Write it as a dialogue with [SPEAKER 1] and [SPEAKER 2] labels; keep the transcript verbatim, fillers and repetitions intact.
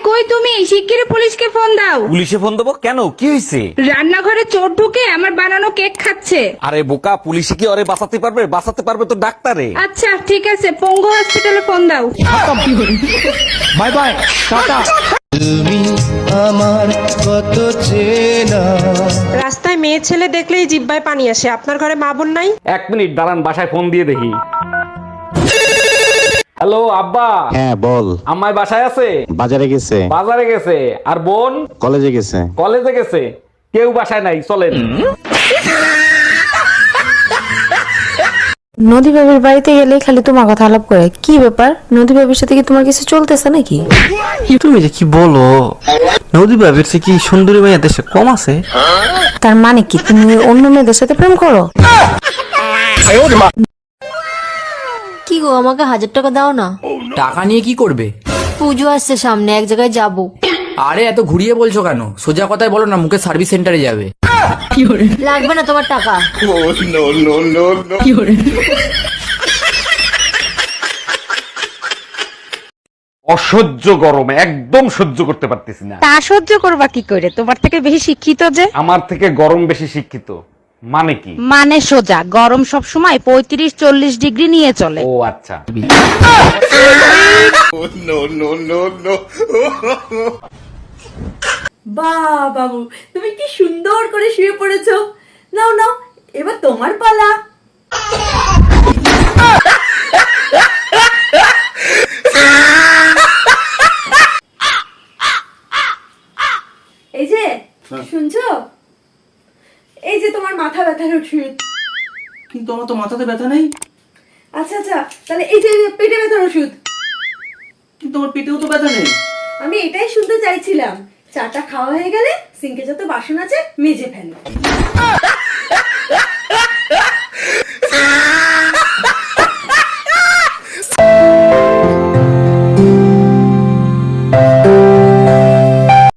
[SPEAKER 1] কই তুমি? শিগগিরই পুলিশকে ফোন দাও।
[SPEAKER 2] পুলিশে ফোন দেবো কেন? কি হয়েছে?
[SPEAKER 1] রান্নাঘরে চোর ঢুকে আমার বানানো কেক খাচ্ছে।
[SPEAKER 2] আরে বোকা, পুলিশে কি ওরে বাঁচাতে পারবে? বাঁচাতে পারবে তো ডাক্তারে।
[SPEAKER 1] আচ্ছা ঠিক আছে, পঙ্গু হসপিটালে ফোন দাও।
[SPEAKER 2] Bye bye, tata.
[SPEAKER 3] তুমি আমার কত চেনা।
[SPEAKER 4] রাস্তায় মেয়ে ছেলে দেখলেই জিব্বায় পানি আসে। আপনার ঘরে মা বোন নাই?
[SPEAKER 2] এক মিনিট দাঁড়ান, বাসায় ফোন দিয়ে দেখি। হ্যালো আব্বা।
[SPEAKER 5] হ্যাঁ বল।
[SPEAKER 2] আম্মাই বাসায় আছে?
[SPEAKER 5] বাজারে গেছে।
[SPEAKER 2] বাজারে গেছে। আর বোন?
[SPEAKER 5] কলেজে গেছে।
[SPEAKER 2] কলেজে গেছে। কেউ বাসায় নাই, চলেন।
[SPEAKER 6] নদী ভাবির বাড়িতে গেলে খালি তোমার কথা আলাপ করে। কি ব্যাপার, নদী ভাবির সাথে কি তোমার কিছু চলতেছে নাকি?
[SPEAKER 7] তুমি যে কি বলো, নদী ভাবির চেয়ে কি সুন্দরী মেয়ে দেশে কম আছে?
[SPEAKER 6] তার মানে কি তুমি অন্য মেয়েদের সাথে প্রেম করো?
[SPEAKER 8] কি গো, আমাকে হাজার টাকা দাও না।
[SPEAKER 9] টাকা নিয়ে কি করবে?
[SPEAKER 8] পুজো আসছে সামনে, এক জায়গায় যাব।
[SPEAKER 9] আরে এত ঘুরিয়ে বলছো কেন? সোজা কথায় বলো না, মুখে সার্ভিস সেন্টারে যাবে।
[SPEAKER 8] লাগবে না তোমার টাকা।
[SPEAKER 2] অসহ্য গরম, একদম সহ্য করতে পারতেছি না।
[SPEAKER 4] তা সহ্য করবা কি করে? তোমার থেকে বেশি শিক্ষিত যে।
[SPEAKER 2] আমার থেকে গরম বেশি শিক্ষিত মানে কি?
[SPEAKER 4] মানে সোজা, গরম সব সময় পঁয়ত্রিশ চল্লিশ ডিগ্রি নিয়ে চলে।
[SPEAKER 2] ও আচ্ছা।
[SPEAKER 10] বাহ বাবু, তুমি কি সুন্দর করে শুয়ে পড়েছো। নাও নাও, এবার তোমার পালা। এই যে শুনছো, এই যে তোমার মাথা ব্যথার ওষুধ।
[SPEAKER 9] কিন্তু আমার তো মাথাতে ব্যথা নেই।
[SPEAKER 10] আচ্ছা আচ্ছা, তাহলে এই যে পেটে ব্যথার ওষুধ।
[SPEAKER 9] কিন্তু আমার পেটেও তো ব্যথা নেই।
[SPEAKER 10] আমি এটাই শুনতে চাইছিলাম। চাটা খাওয়া হয়ে গেলে সিঙ্কে যত বাসন আছে মেজে ফেলো।